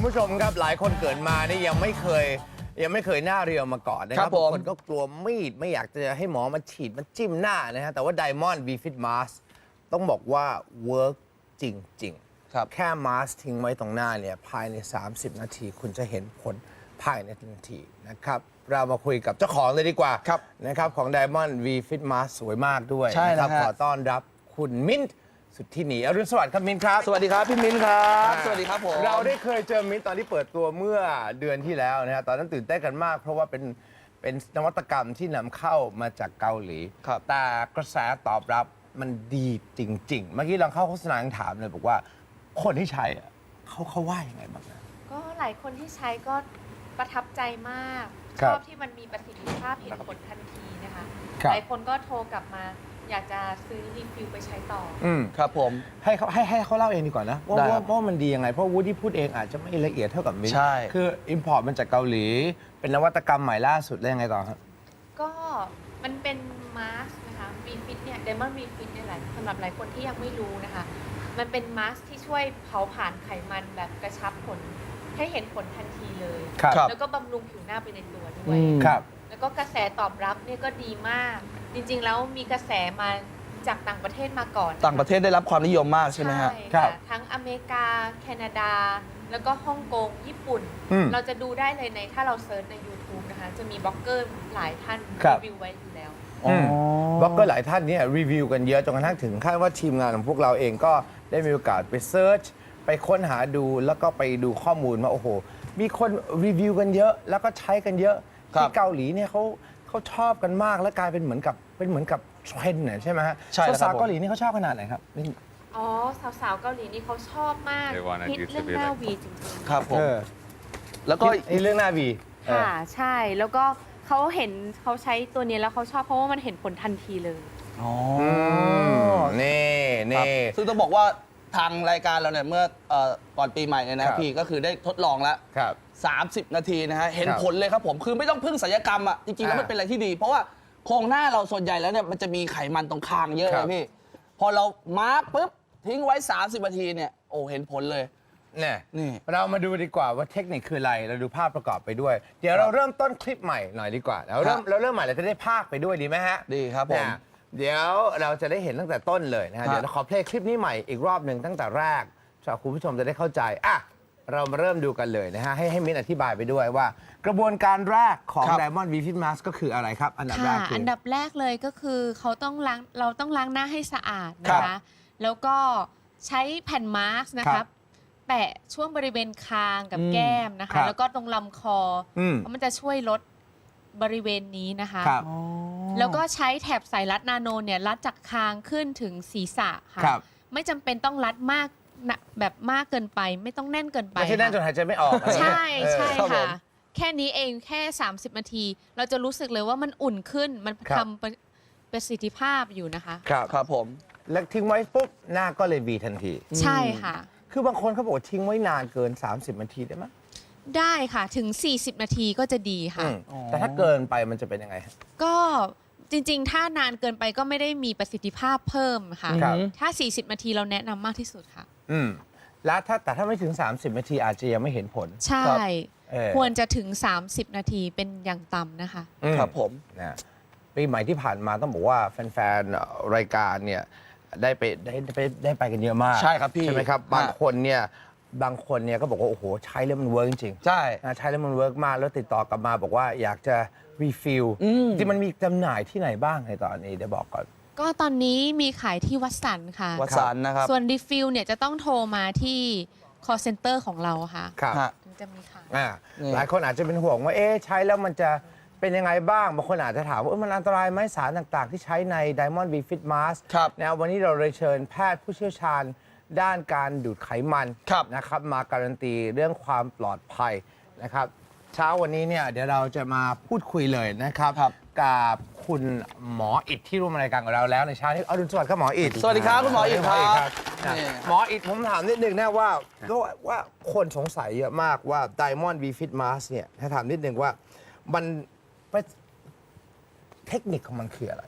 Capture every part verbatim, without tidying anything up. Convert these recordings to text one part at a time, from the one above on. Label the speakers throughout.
Speaker 1: คุณผู้ชมครับหลายคนเกิดมานี่ยังไม่เคยยังไม่เคยหน้าเรียวมาก่อนนะครับบางคนก็กลัวมีดไม่อยากจะให้หมอมาฉีดมาจิ้มหน้านะฮะแต่ว่า Diamond V Fit Mask ต้องบอกว่าเวิร์กจริงๆแค่มาสทิ้งไว้ตรงหน้าเนี่ยภายในสามสิบนาทีคุณจะเห็นผลภายในทันทีนะครับเรามาคุยกับเจ้าของเลยดีกว่านะครับของ Diamond V Fit Mask สวยมากด้วยนะครับขอต้อนรับคุณมิ้นท์สุดที่หนีอรุณสวัสดิ์ครับมิ้นครับ
Speaker 2: สวัสดีครับพี่มิ้นครับสวัสดีครับผม
Speaker 1: เราได้เคยเจอมิ้นตอนที่เปิดตัวเมื่อเดือนที่แล้วนะฮะตอนนั้นตื่นเต้นกันมากเพราะว่าเป็นเป็นนวัตกรรมที่นำเข้ามาจากเกาหลีแต่กระแสตอบรับมันดีจริงๆเมื่อกี้เราเข้าโฆษณาถามเลยบอกว่าคนที่ใช้เขาเขาว่ายังไงบ้างนะ
Speaker 3: ก็หลายคนที่ใช้ก็ประทับใจมากชอบที่มันมีประสิทธิภาพเห็นผลทันทีนะคะหลายคนก็โทรกลับมาอยากจะซื้อรีฟิลไปใช้ต่อ
Speaker 1: อืม
Speaker 2: ครับผม
Speaker 1: ให้เขาให้ให้เขาเล่าเองดีกว่านะว่าว่าว่ามันดียังไงเพราะวูดที่พูดเองอาจจะไม่ละเอียดเท่ากับมิ้น
Speaker 2: ใช่
Speaker 1: คืออิมพอร์ตมันจากเกาหลีเป็นนวัตกรรมใหม่ล่าสุดแล้วยังไงต่อครับ
Speaker 3: ก็มันเป็นมาสก์นะคะวีฟิตเนี่ยไดมอนด์วีฟิตเนี่ยแหละสำหรับหลายคนที่ยังไม่รู้นะคะมันเป็นมาสก์ที่ช่วยเผาผลาญไขมันแบบกระชับผลให้เห็นผลทันทีเลยแล้วก็บำรุงผิวหน้าไปในตัวด้วยแล้วก็กระแสตอบรับเนี่ยก็ดีมากจริงๆแล้วมีกระแสมาจากต่างประเทศมาก่อน
Speaker 2: ต่างประเทศได้รับความนิยมมากใช่ไหมฮะ
Speaker 3: ใช่ทั้งอเมริกาแคนาดาแล้วก็ฮ่องกงญี่ปุ่นเราจะดูได้เลยในถ้าเราเซิร์ชใน YouTube นะคะจะมีบล็อกเกอร์หลายท่านรีวิวไว้อยู่แล้ว
Speaker 1: บล็อกเกอร์หลายท่านเนี่ยรีวิวกันเยอะจนกระทั่งถึงขั้นว่าทีมงานของพวกเราเองก็ได้มีโอกาสไปเซิร์ชไปค้นหาดูแล้วก็ไปดูข้อมูลว่าโอ้โหมีคนรีวิวกันเยอะแล้วก็ใช้กันเยอะที่เกาหลีเนี่ยเขาเขาชอบกันมากและกลายเป็นเหมือนกับเป็นเหมือนกับเทรนด์เนี่ยใช่ไหมฮะสาวเกาหลีนี่เขาชอบขนาดไหนครับ
Speaker 3: อ๋อสาวๆเกาหลีนี่เขาชอบมากฮิตเรื่องหน้าวีจริงๆ
Speaker 2: ครับผม
Speaker 1: แล้วก็เรื่องหน้าวี
Speaker 3: ค่ะใช่แล้วก็เขาเห็นเขาใช้ตัวนี้แล้วเขาชอบเพราะว่ามันเห็นผลทันทีเลย
Speaker 2: อ๋อ
Speaker 1: นี่นี่
Speaker 2: ซึ่งต้องบอกว่าทางรายการเราเนี่ยเมื่อก่อนปีใหม่เนี่ยนะพี่ก็คือได้ทดลองแล้วสามสิบนาทีนะฮะเห็นผลเลยครับผมคือไม่ต้องพึ่งศัลยกรรมอ่ะจริงๆแล้วมันเป็นอะไรที่ดีเพราะว่าโครงหน้าเราส่วนใหญ่แล้วเนี่ยมันจะมีไขมันตรงคางเยอะเลยพี่พอเรามาร์กปุ๊บทิ้งไว้สามสิบนาทีเนี่ยโอ้เห็นผลเลย
Speaker 1: เนี่ยนี่เรามาดูดีกว่าว่าเทคนิคคืออะไรเราดูภาพประกอบไปด้วยเดี๋ยวเราเริ่มต้นคลิปใหม่หน่อยดีกว่าเราเริ่มเราเริ่มใหม่เราจะได้ภาคไปด้วยดีไหมฮะ
Speaker 2: ดีครับผม
Speaker 1: เดี๋ยวเราจะได้เห็นตั้งแต่ต้นเลยนะฮะเดี๋ยวเราขอเพลย์คลิปนี้ใหม่อีกรอบหนึ่งตั้งแต่แรกสำหรับคุณผู้ชมจะได้เข้าใจอ่ะเรามาเริ่มดูกันเลยนะฮะให้ให้มิ้นอธิบายไปด้วยว่ากระบวนการแรกของ Diamond V Fit Mask ก็คืออะไรครับอันดับแรกคือ
Speaker 3: อันดับแรกเลยก็คือเขาต้องล้างเราต้องล้างหน้าให้สะอาดนะคะแล้วก็ใช้แผ่นมาสก์นะครับแปะช่วงบริเวณคางกับแก้มนะคะแล้วก็ตรงลำคอเพราะมันจะช่วยลดบริเวณนี้นะคะแล้วก็ใช้แถบสายรัดนาโนเนี่ยรัดจากคางขึ้นถึงศีรษะค่ะไม่จำเป็นต้องรัดมากแบบมากเกินไปไม่ต้องแน่นเกินไป
Speaker 1: ไม่ใช่แน่นจนหายใจไม่ออก
Speaker 3: ใช่ใช่ค่ะแค่นี้เองแค่สามสิบนาทีเราจะรู้สึกเลยว่ามันอุ่นขึ้นมันทำประสิทธิภาพอยู่นะคะ
Speaker 1: ครับครับผมแล้วทิ้งไว้ปุ๊บหน้าก็เลยวีทันที
Speaker 3: ใช่ค่ะ
Speaker 1: คือบางคนเขาบอกทิ้งไว้นานเกินสามสิบนาทีได้ไหม
Speaker 3: ได้ค่ะถึงสี่สิบนาทีก็จะดีค่ะ
Speaker 1: แต่ถ้าเกินไปมันจะเป็นยังไง
Speaker 3: ก็จริงๆถ้านานเกินไปก็ไม่ได้มีประสิทธิภาพเพิ่มค่ะถ้าสี่สิบนาทีเราแนะนำมากที่สุดค่ะ
Speaker 1: อืมแล้วถ้าแต่ถ้าไม่ถึงสามสิบนาทีอาจจะยังไม่เห็นผล
Speaker 3: ใช่ควรจะถึงสามสิบนาทีเป็นอย่างต่ำนะคะ
Speaker 1: ครับผมนะปีใหม่ที่ผ่านมาต้องบอกว่าแฟนๆรายการเนี่ยได้ไปได้ไปได้ไปกันเยอะมาก
Speaker 2: ใช่ครับพี่
Speaker 1: ใช่ไหมครับบางคนเนี่ยบางคนเนี่ยก็บอกว่าโอ้โหใช้แล้วมันเวิร์กจริง
Speaker 2: ใช่
Speaker 1: ใช้แล้วมันเวิร์กมากแล้วติดต่อกลับมาบอกว่าอยากจะรีฟิลที่มันมีจำหน่ายที่ไหนบ้างในตอนนี้เดี๋ยวบอกก่อน
Speaker 3: ก็ตอนนี้มีขายที่วัดสันค่ะ
Speaker 2: วัดสันนะครับ
Speaker 3: ส่วนรีฟิลเนี่ยจะต้องโทรมาที่ call center ของเราค่ะ
Speaker 1: ครับ
Speaker 3: ถึงจะมีขาย
Speaker 1: หลายคนอาจจะเป็นห่วงว่าเอ๊ะใช้แล้วมันจะเป็นยังไงบ้างบางคนอาจจะถามว่ามันอันตรายไหมสารต่างๆที่ใช้ใน Diamond V Fit Mask นะวันนี้เราเลยเชิญแพทย์ผู้เชี่ยวชาญด้านการดูดไขมันนะครับมาการันตีเรื่องความปลอดภัยนะครับเช้าวันนี้เนี่ยเดี๋ยวเราจะมาพูดคุยเลยนะครับกับคุณหมออิฐที่ร่วมรายการกับเราแล้วในเช้านี้อรุณสวัสดิ์ครับหมออิฐ
Speaker 2: สวัสดีครับคุณหมออิฐครับ
Speaker 1: หมออิฐผมถามนิดนึงนะว่าก็ว่าคนสงสัยเยอะมากว่า Diamond V Fit Mask เนี่ยถ้าถามนิดนึงว่ามันเทคนิคของมันคืออะไร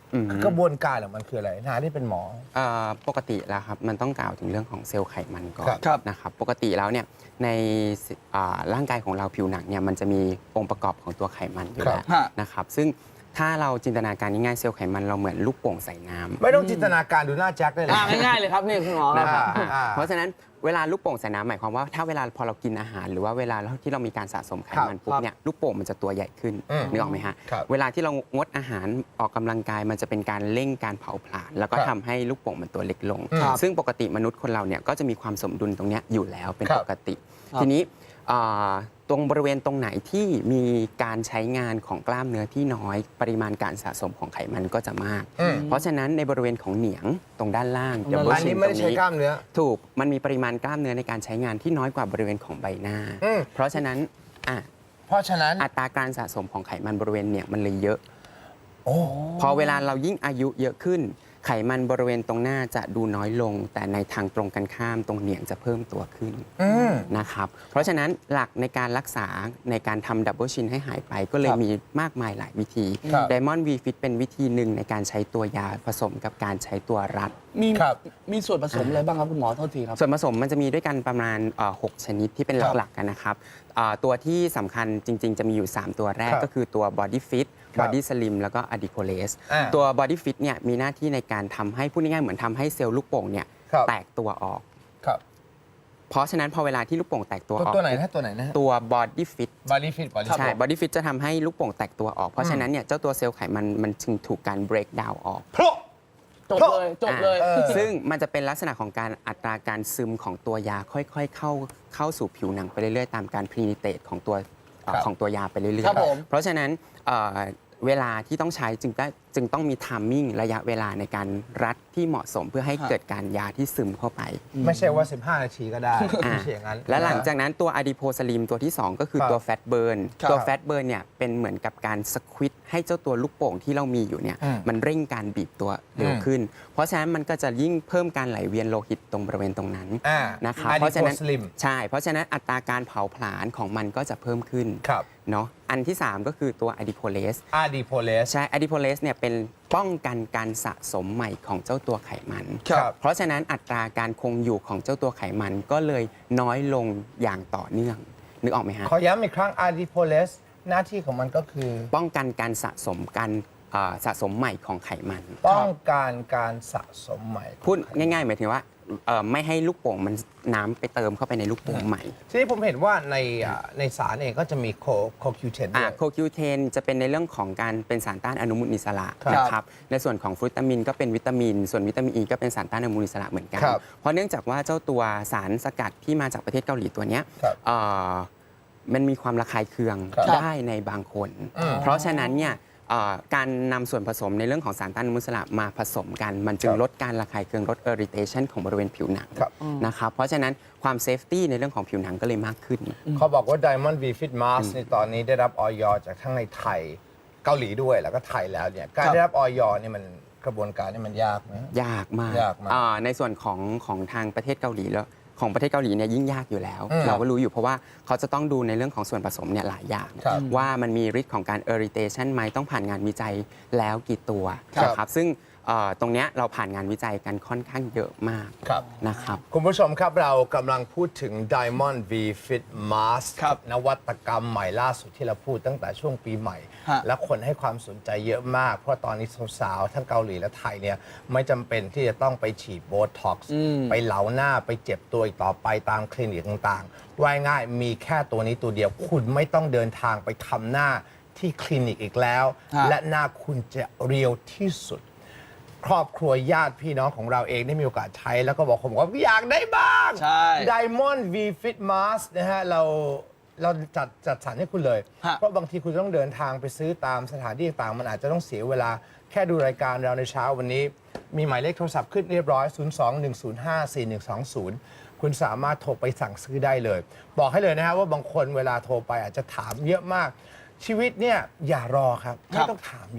Speaker 4: อืม
Speaker 1: กระบวนการของมันคืออะไรนาที่เป็นหมอ
Speaker 4: เอ่อปกติแล้วครับมันต้องกล่าวถึงเรื่องของเซลล์ไขมันก่อน
Speaker 2: ครับ
Speaker 4: นะครับปกติแล้วเนี่ยในอ่าร่างกายของเราผิวหนังเนี่ยมันจะมีองค์ประกอบของตัวไขมันอยู่
Speaker 1: ครับ
Speaker 4: แล้ว
Speaker 2: ฮะ
Speaker 4: นะครับซึ่งถ้าเราจินตนาการง่ายๆเซลล์ไขมันเราเหมือนลูกโป่งใส่น้ำ
Speaker 1: ไม่ต้องจินตนาการดูหน้าแจ็คได้เลย
Speaker 2: อ่าง่ายๆเลยครับนี่คุณหมอ
Speaker 4: นะ
Speaker 2: ค
Speaker 4: ค
Speaker 2: รั
Speaker 4: รั
Speaker 2: บบ
Speaker 1: อ่าอ่า
Speaker 4: เพราะฉะนั้นเวลาลูกโป่งใส่น้ำหมายความว่าถ้าเวลาพอเรากินอาหาร หรือว่าเวลาที่เรามีการสะสมไขมันปุ๊บเนี่ยลูกโป่งมันจะตัวใหญ่ขึ้น
Speaker 1: อืม
Speaker 4: นึกออกไหมฮะ
Speaker 1: ครับ
Speaker 4: เวลาที่เรางดอาหารออกกำลังกายมันจะเป็นการเร่งการเผาผลาญแล้วก็
Speaker 1: ครับ
Speaker 4: ทำให้ลูกโป่งมันตัวเล็กลง
Speaker 1: ครับ
Speaker 4: ซึ่งปกติมนุษย์คนเราเนี่ยก็จะมีความสมดุลตรงเนี้ยอยู่แล้วเป็น
Speaker 1: ครับ
Speaker 4: ปกติ
Speaker 2: ครับ
Speaker 4: ทีนี้อ่าตรงบริเวณตรงไหนที่มีการใช้งานของกล้ามเนื้อที่น้อย ปริมาณการสะสมของไขมันก็จะมาก
Speaker 1: อืม
Speaker 4: เพราะฉะนั้นในบริเวณของเหนียงตรงด้านล่าง
Speaker 2: ตรงด้านล่าง
Speaker 4: double
Speaker 1: อันนี้
Speaker 4: chin
Speaker 1: ไม่ได้ใช้กล้ามเนื้อ
Speaker 4: ถูก มันมีปริมาณกล้ามเนื้อในการใช้งานที่น้อยกว่าบริเวณของใบหน้า
Speaker 1: อืม
Speaker 4: เพราะฉะนั้นอ่ะ
Speaker 1: เพราะฉะนั้น
Speaker 4: อัตราการสะสมของไขมันบริเวณเนี่ยมันเลยเยอะ
Speaker 1: โอ้
Speaker 4: พอเวลาเรายิ่งอายุเยอะขึ้น ไขมันบริเวณตรงหน้าจะดูน้อยลง แต่ในทางตรงกันข้ามตรงเหนียงจะเพิ่มตัวขึ้น
Speaker 1: อืม
Speaker 4: นะครับ เพราะฉะนั้นหลักในการรักษาในการทำดับเบิลชินให้หายไปก็เลย
Speaker 2: ครับ
Speaker 4: มีมากมายหลายวิธี
Speaker 1: ครับ
Speaker 4: Diamond V Fit เป็นวิธีหนึ่งในการใช้ตัวยาผสมกับการใช้ตัวรัด
Speaker 2: มี
Speaker 1: ครับ
Speaker 2: มีส่วนผสมอะไรบ้างครับคุณหมอโทษทีครับ
Speaker 4: ส่วนผสมมันจะมีด้วยกันประมาณเอ่อหกชนิดที่เป็น
Speaker 2: ครับ
Speaker 4: หลักๆกันนะครับอ่าตัวที่สำคัญจริง ๆ จะมีอยู่ สาม ตัวแรก
Speaker 1: ครับ
Speaker 4: ก็คือตัว Body Fit
Speaker 1: ครับ
Speaker 4: Body Slim แล้วก็ Adipolase
Speaker 1: อ่า
Speaker 4: ตัว Body Fit เนี่ยมีหน้าที่ในการทำให้พูดง่ายๆเหมือนทำให้เซลล์ลูกโป่งเนี่ย
Speaker 1: ครับ
Speaker 4: แตกตัวออก
Speaker 1: ครับ
Speaker 4: เพราะฉะนั้นพอเวลาที่ลูกโป่งแตกตัว
Speaker 1: ตัว
Speaker 4: ออก
Speaker 1: ตัวไหนนะตัวไหนนะ
Speaker 4: ตัว Body Fit
Speaker 1: บอดี้ฟิตบอดี้
Speaker 4: ใช่ Body Fit จะทำให้ลูกโป่งแตกตัวออก เพราะฉะนั้นเนี่ยเจ้าตัวเซลล์ไขมันมันจึงถูกการ break down ออก
Speaker 1: เพราะ
Speaker 2: จบเลยจบเลย
Speaker 1: เออ
Speaker 4: ซึ่งมันจะเป็นลักษณะของการอัตราการซึมของตัวยาค่อยๆ เข้าเข้าสู่ผิวหนังไปเรื่อยๆ ตามการพรีนิเตตของตัวเอ่อ
Speaker 1: ครับ
Speaker 4: ของตัวยาไปเรื่อย
Speaker 2: ครับผม
Speaker 4: ๆ เพราะฉะนั้นเอ่อเวลาที่ต้องใช้จึงได้จึงต้องมีไทมิ่งระยะเวลาในการรัดที่เหมาะสมเพื่อให้เกิดการยาที่ซึมเข้าไป
Speaker 1: ไม่ใช่ว่า สิบห้า นาทีก็ได้
Speaker 4: อ่า
Speaker 1: ไม่ใช่อย่างนั้น
Speaker 4: และหลังจากนั้นตัวอะดิโพสลิมตัวที่ สอง ก็คือ
Speaker 1: ครับ
Speaker 4: ตัวแฟตเบิร์น
Speaker 1: ครับ
Speaker 4: ตัวแฟตเบิร์นเนี่ยเป็นเหมือนกับการสควิตให้เจ้าตัวลูกโป่งที่เรามีอยู่เนี่ย
Speaker 1: อืม
Speaker 4: มันเร่งการบีบตัวเร็ว
Speaker 1: อืม
Speaker 4: ขึ้น เพราะฉะนั้นมันก็จะยิ่งเพิ่มการไหลเวียนโลหิตตรงบริเวณตรงนั้น
Speaker 1: อ่า
Speaker 4: นะครับ
Speaker 1: Adipose
Speaker 4: เพราะฉะนั้น
Speaker 1: Slim
Speaker 4: ใช่ เพราะฉะนั้นอัตราการเผาผลาญของมันก็จะเพิ่มขึ้น
Speaker 1: ครับ
Speaker 4: เนาะอันที่ สาม ก็คือตัวอะดิโพเลส
Speaker 1: อาดีโพเลส
Speaker 4: ใช่อะดิโพเลสเนี่ยเป็นป้องกันการสะสมใหม่ของเจ้าตัวไขมัน
Speaker 1: ครับ
Speaker 4: เพราะฉะนั้นอัตราการคงอยู่ของเจ้าตัวไขมันก็เลยน้อยลงอย่างต่อเนื่อง นึกออกไหมฮะ
Speaker 1: ขอย้ำอีกครั้งอาดีโพเลสหน้าที่ของมันก็คือ
Speaker 4: ป้องกันการสะสมการเอ่อสะสมใหม่ของไขมัน
Speaker 1: ป้องกันการสะสมใหม่
Speaker 4: พูดง่ายๆหมายถึงว่าเอ่อไม่ให้ลูกโป่งมันน้ำไปเติมเข้าไปในลูกโป่งใหม่
Speaker 1: ทีนี้ผมเห็นว่าในอ่าในสารเองก็จะมีโคโคคิวเทนด้
Speaker 4: อ่า
Speaker 1: วย
Speaker 4: โคคิวเทนจะเป็นในเรื่องของการเป็นสารต้านอนุมูลอิสระ
Speaker 1: ครับ
Speaker 4: นะครับในส่วนของฟรุตามินก็เป็นวิตามิน ส่วนวิตามินอีก็เป็นสารต้านอนุมูลอิสระเหมือนกัน
Speaker 1: ครับ
Speaker 4: เพราะเนื่องจากว่าเจ้าตัวสารสกัดที่มาจากประเทศเกาหลีตัวเนี้ย
Speaker 1: ครับ
Speaker 4: เอ่อมันมีความระคายเคือง
Speaker 1: ครับ
Speaker 4: ได้ในบางคน
Speaker 1: อืม
Speaker 4: เพราะฉะนั้นเนี่ยเอ่อการนำส่วนผสมในเรื่องของสารต้านอนุมูลอิสระมาผสมกัน มันจึง
Speaker 1: ครับ
Speaker 4: ลดการระคายเคืองลด irritation ของบริเวณผิวหนัง
Speaker 1: ครับ
Speaker 4: นะครับเพราะฉะนั้นความเซฟตี้ในเรื่องของผิวหนังก็เลยมากขึ้น
Speaker 1: เขาบอกว่า Diamond V Fit Mask ในตอนนี้ได้รับออยจากทั้งในไทยเกาหลีด้วยแล้วก็ไทยแล้วเนี่ยการ
Speaker 2: ครับ
Speaker 1: ได้รับออยนี่มันกระบวนการนี่มันยากไหม
Speaker 4: ยากมาก
Speaker 1: ยากมาก
Speaker 4: อ่าในส่วนของของทางประเทศเกาหลีแล้วของประเทศเกาหลีเนี่ยยิ่งยากอยู่แล้ว
Speaker 1: อืม
Speaker 4: เราก็รู้อยู่เพราะว่าเขาจะต้องดูในเรื่องของส่วนผสมเนี่ยหลายอย่าง
Speaker 1: ครับ
Speaker 4: ว่ามันมีฤทธิ์ของการ irritation ไหมต้องผ่านงานวิจัยแล้วกี่ตัว
Speaker 1: ครับ
Speaker 4: นะครับซึ่งเอ่อตรงเนี้ยเราผ่านงานวิจัยกันค่อนข้างเยอะมาก
Speaker 1: ครับ
Speaker 4: นะครับ
Speaker 1: คุณผู้ชมครับเรากำลังพูดถึง Diamond V Fit Mask
Speaker 2: ครับ
Speaker 1: นวัตกรรมใหม่ล่าสุดที่เราพูดตั้งแต่ช่วงปีใหม่
Speaker 2: ฮะ
Speaker 1: และคนให้ความสนใจเยอะมาก เพราะตอนนี้สาวๆทั้งเกาหลีและไทยเนี่ยไม่จำเป็นที่จะต้องไปฉีดโบท็อกซ์ไปเหลาหน้าไปเจ็บตัวอีกต่อไปตามคลินิกต่างๆว่ายง่ายมีแค่ตัวนี้ตัวเดียว คุณไม่ต้องเดินทางไปทำหน้าที่คลินิกอีกแล้ว
Speaker 2: ฮะ
Speaker 1: และหน้าคุณจะเรียวที่สุด ครอบครัวญาติพี่น้องของเราเองได้มีโอกาสใช้ แล้วก็บอกผมว่าอยากได้บ้าง
Speaker 2: ใช่
Speaker 1: Diamond V Fit Mask นะฮะเราเราจัดจัดสรรให้คุณเลย
Speaker 2: ฮะ
Speaker 1: เพราะบางทีคุณต้องเดินทางไปซื้อตามสถานที่ต่างๆ มันอาจจะต้องเสียเวลาแค่ดูรายการเราในเช้าวันนี้ มีหมายเลขโทรศัพท์ขึ้นเรียบร้อย ศูนย์ สอง หนึ่ง ศูนย์ ห้า สี่ หนึ่ง สอง ศูนย์ คุณสามารถโทรไปสั่งซื้อได้เลย บอกให้เลยนะฮะว่าบางคนเวลาโทรไปอาจจะถามเยอะมาก ชีวิตเนี่ยอย่ารอครับ ไม่ต้องถามเยอะ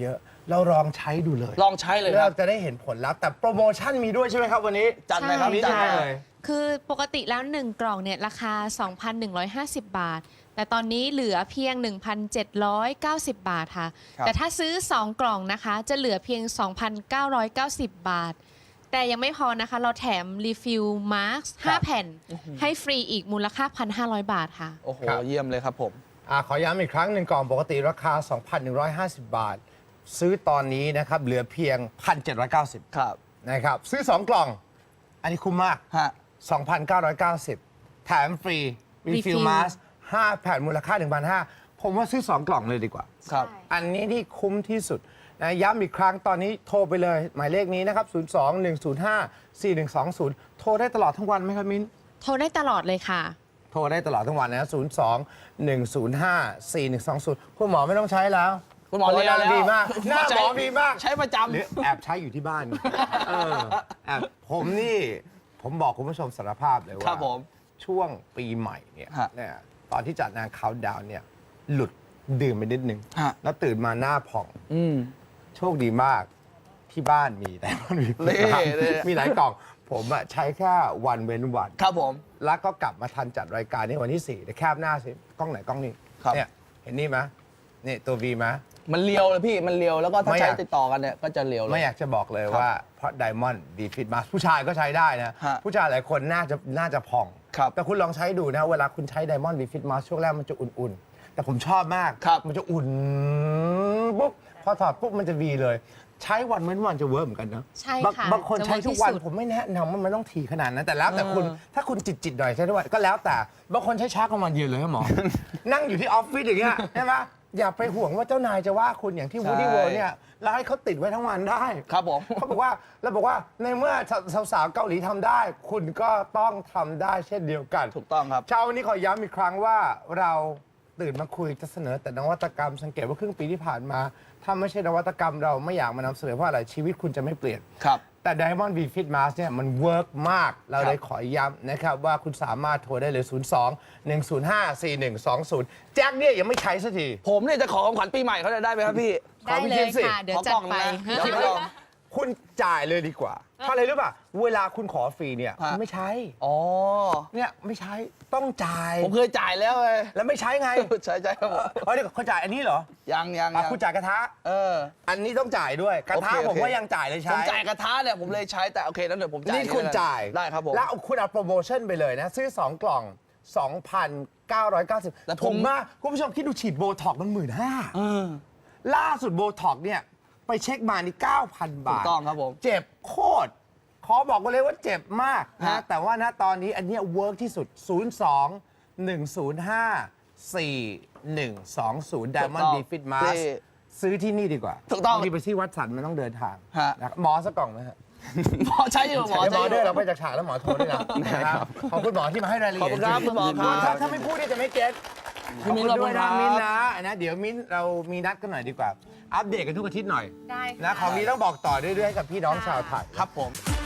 Speaker 1: เราลองใช้ดูเลย
Speaker 2: ลองใช้เลย
Speaker 1: แล้ว
Speaker 2: ครั
Speaker 1: เรา
Speaker 2: บ
Speaker 1: จะได้เห็นผลลัพธ์แต่โปรโมชั่นมีด้วยใช่ไหมครับวันนี้
Speaker 2: จัดเลยครับ
Speaker 3: ใช่
Speaker 2: จัด
Speaker 3: ค่ะ
Speaker 2: เลย
Speaker 3: คือปกติแล้ว หนึ่ง กล่องเนี่ยราคา สองพันหนึ่งร้อยห้าสิบ บาท แต่ตอนนี้เหลือเพียง หนึ่งพันเจ็ดร้อยเก้าสิบ บาทค่ะ
Speaker 2: ครับ
Speaker 3: แต่ถ้าซื้อ สอง กล่องนะคะ จะเหลือเพียง สองพันเก้าร้อยเก้าสิบ บาท แต่ยังไม่พอนะคะ เราแถมรีฟิลมาร์คห้าแผ่น ให้ฟรีอีกมูลค่า หนึ่งพันห้าร้อย บาทค่ะ
Speaker 2: โอ้โห
Speaker 1: ครับ
Speaker 2: เยี่ยมเลยครับผม
Speaker 1: อ่าขอย้ำอีกครั้งหนึ่งกล่องปกติราคา สองพันหนึ่งร้อยห้าสิบ บาท ซื้อตอนนี้นะครับเหลือเพียง หนึ่งพันเจ็ดร้อยเก้าสิบ
Speaker 2: ครับ
Speaker 1: นะครับซื้อ สอง กล่อง อันนี้คุ้มมาก
Speaker 2: ฮะ
Speaker 1: สองพันเก้าร้อยเก้าสิบ แถมฟรีรีฟิล
Speaker 3: Refill
Speaker 1: มาสห้าแผ่นมูลค่า หนึ่งพันห้าร้อย ผมว่าซื้อ สอง กล่องเลยดีกว่า
Speaker 2: ครับ
Speaker 1: อันนี้ที่คุ้มที่สุดนะย้ำอีกครั้งตอนนี้โทรไปเลย หมายเลขนี้นะครับ ศูนย์ สอง หนึ่ง ศูนย์ ห้า สี่ หนึ่ง สอง ศูนย์ โทรได้ตลอดทั้งวันไหมครับมิ้น
Speaker 3: โทรได้ตลอดเลยค่ะ
Speaker 1: โทรได้ตลอดทั้งวันนะ ศูนย์ สอง หนึ่ง ศูนย์ ห้า สี่ หนึ่ง สอง ศูนย์ คุณหมอไม่ต้องใช้แล้ว
Speaker 2: คุณหมอเรียนแล้ว
Speaker 1: ดีมาก หน้าหมอดีมาก
Speaker 2: ใช้ประจำ
Speaker 1: หรือแอบใช้อยู่ที่บ้านเออแอบผมนี่ ผมบอกคุณผู้ชมสารภาพเลย
Speaker 2: ครั
Speaker 1: ว่า
Speaker 2: บผม
Speaker 1: ช่วงปีใหม่เนี่ย
Speaker 2: ฮะ
Speaker 1: เนี่ยตอนที่จัดงานเขาดาวน์เนี่ย หลุดดื่มไปนิดนึง
Speaker 2: ฮะ
Speaker 1: แล้วตื่นมาหน้าผ่อง
Speaker 2: อืม
Speaker 1: โชคดีมากที่บ้านมีแต่มันมี
Speaker 2: เล่เล่
Speaker 1: มีหลายกล่อง ผมอะใช้แค่วันเว้นวัน
Speaker 2: ครับผม
Speaker 1: แล้วก็กลับมาทันจัดรายการนี้วันที่สี่เดี๋ยวแคบหน้าสิ กล้องไหนกล้องนี้
Speaker 2: ครับ
Speaker 1: เนี่ยเห็นนี่ไหมนี่ตัว V ไหม
Speaker 2: มันเลียวเลยพี่ มันเลียวแล้วก็ถ้า
Speaker 1: ไม่อ
Speaker 2: ใช้
Speaker 1: ยาก
Speaker 2: ติดต่อกันเนี่ยก็จะเลียวเลย
Speaker 1: ไม่อยากจะบอกเลย
Speaker 2: ครับ
Speaker 1: ว่าเพราะ Diamond V Fit Mask ผู้ชายก็ใช้ได้นะ
Speaker 2: ฮะ
Speaker 1: ผู้ชายหลายคนน่าจะน่าจะผ่อง
Speaker 2: ครับ
Speaker 1: แต่คุณลองใช้ดูนะ เวลาคุณใช้ Diamond V Fit Mask ช่วงแรกมันจะอุ่นๆ แต่ผมชอบมาก
Speaker 2: ครับ
Speaker 1: มันจะอุ่นปุ๊บพอถอดปุ๊บมันจะ V เลย ใช้วันเว้นวันจะเวิร์กเหมือนกันนะ
Speaker 3: ใช่
Speaker 1: บาง
Speaker 3: ค่ะ
Speaker 1: บางคน
Speaker 3: จะ
Speaker 1: ใช้
Speaker 3: เวิร์ก
Speaker 1: ทุกวัน
Speaker 3: ที่สุด
Speaker 1: ผมไม่แนะนำว่ามันต้องถี่ขนาดนั้นแต่แล้วแต่คุณ
Speaker 2: เออ
Speaker 1: ถ้าคุณจิตจิตๆหน่อยใช้ทุกวันก็แล้วแต่บางคนใช้ช้ากลางวันยืนเลยครับหมอ นั่งอยู่ที่ออฟฟิศอย่างเงี้ยใช่ไหมอย่าไปห่วงว่าเจ้านายจะว่าคุณอย่างที่
Speaker 2: ใช่
Speaker 1: วูดี้เวิร์เนี่ยแล้วให้เขาติดไว้ทั้งวันได้
Speaker 2: ครับผม
Speaker 1: เขาบอกว่าเราบอกว่าในเมื่อสาวๆเกาหลีทำได้ คุณก็ต้องทำได้เช่นเดียวกัน
Speaker 2: ถูกต้องครับ
Speaker 1: เช้าวันนี้ขอย้ำอีกครั้งว่าเราตื่นมาคุยจะเสนอแต่นวัตกรรมสังเกตว่าครึ่งปีที่ผ่านมา ถ้าไม่ใช่นวัตกรรมเราไม่อยากมานำเสนอเพราะอะไรชีวิตคุณจะไม่เปลี่ยน
Speaker 2: ครับ
Speaker 1: แต่ Diamond V Fit Mask เนี่ยมันเวิร์กมาก เราเลยขอย้ำนะครับว่าคุณสามารถโทรได้เลย ศูนย์ สอง หนึ่ง ศูนย์ ห้า สี่ หนึ่ง สอง ศูนย์ แจ็คเนี่ยยังไม่ใช้สักที
Speaker 2: ผมเนี่ยจะขอของขวัญปีใหม่เขาจะได้ไหมครับพี่
Speaker 3: ได้เลยค่ะ เดี๋ยวจัดไป
Speaker 2: ขอกล่องนะเดี๋ยว
Speaker 1: คุณจ่ายเลยดีกว่าเพราะอะไรรู้ป่ะ เวลาคุณขอฟรีเนี่ย
Speaker 2: ฮะ
Speaker 1: คุณไม่ใช้
Speaker 2: อ๋อ
Speaker 1: เนี่ยไม่ใช้ต้องจ่าย
Speaker 2: ผมเคยจ่ายแล้วเลย
Speaker 1: แล้วไม่ใช้ไง
Speaker 2: ใช่ใช่ครับผม
Speaker 1: เออเดี๋ยวเขาจ่ายอันนี้เหรอ
Speaker 2: ยังยัง
Speaker 1: อ่ะ
Speaker 2: ยัง
Speaker 1: คุณจ่ายกระทะ
Speaker 2: เออ
Speaker 1: อันนี้ต้องจ่ายด้วยกระทะ
Speaker 2: โอเคโอเค
Speaker 1: ผมว่ายังจ่ายเลย
Speaker 2: ผ
Speaker 1: ใช้
Speaker 2: มจ่ายกระทะเนี่ยผมเลยใช้แต่โอเคนั้นเดี๋ยวผมจ่าย
Speaker 1: นี่คุณจ่าย
Speaker 2: ได้ครับผม
Speaker 1: แล้วคุณเอาโปรโมชั่นไปเลยนะ ซื้อ สอง กล่อง สองพันเก้าร้อยเก้าสิบ
Speaker 2: แต่
Speaker 1: ผ
Speaker 2: ผม
Speaker 1: มว่าคุณผู้ชมคิดดูฉีดโบท็อกซ์มันหมื่นห้า
Speaker 2: เออ
Speaker 1: ล่าสุดโบท็อกซ์เนี่ยไปเช็คมานี่ เก้าพัน บาท
Speaker 2: ถูกต้องครับผม
Speaker 1: เจ็บโคตร ขอบอกกันเลยว่าเจ็บมากนะ
Speaker 2: ฮะ
Speaker 1: แต่ว่าณตอนนี้อันเนี้เวิร์กที่สุด ศูนย์ สอง หนึ่ง ศูนย์ ห้า สี่ หนึ่ง สอง ศูนย์ Diamond V Fit Mask ซื้อที่นี่ดีกว่า
Speaker 2: ถูกต้อง
Speaker 1: บางทีไปที่วัดสันมันต้องเดินทาง
Speaker 2: ฮะ
Speaker 1: นะครับหมอสักกล่องไหมฮะ
Speaker 2: หมอใช้อยู่หมอ
Speaker 1: เดี๋ยวหม
Speaker 2: ใช้
Speaker 1: อ
Speaker 2: อ
Speaker 1: ด้วย
Speaker 2: ยู่
Speaker 1: เราไปจากฉากแล้วหมอโทรด้วยนะนะครับขอบคุณหมอที่มาให้รายละเอียด
Speaker 2: ขอบคุณครับคุณหมอครับ
Speaker 1: ถ้าถ้าไม่พูดเนี่ยจะไม่เก็ต
Speaker 2: พี่มิ้น
Speaker 1: ขอบคุณด้วย
Speaker 2: ขอบคุณครับ
Speaker 1: นะมิ้นนะนะเดี๋ยวมิ้นเรามีนัดกันหน่อยดีกว่า อัปเดตกันทุกอาทิตย์หน่อย
Speaker 3: ได้
Speaker 1: นะ
Speaker 3: ค่ะ
Speaker 1: ของนี้ต้องบอกต่อเรื่อยๆให้กับพี่น้องชาวไทย
Speaker 2: ครับผม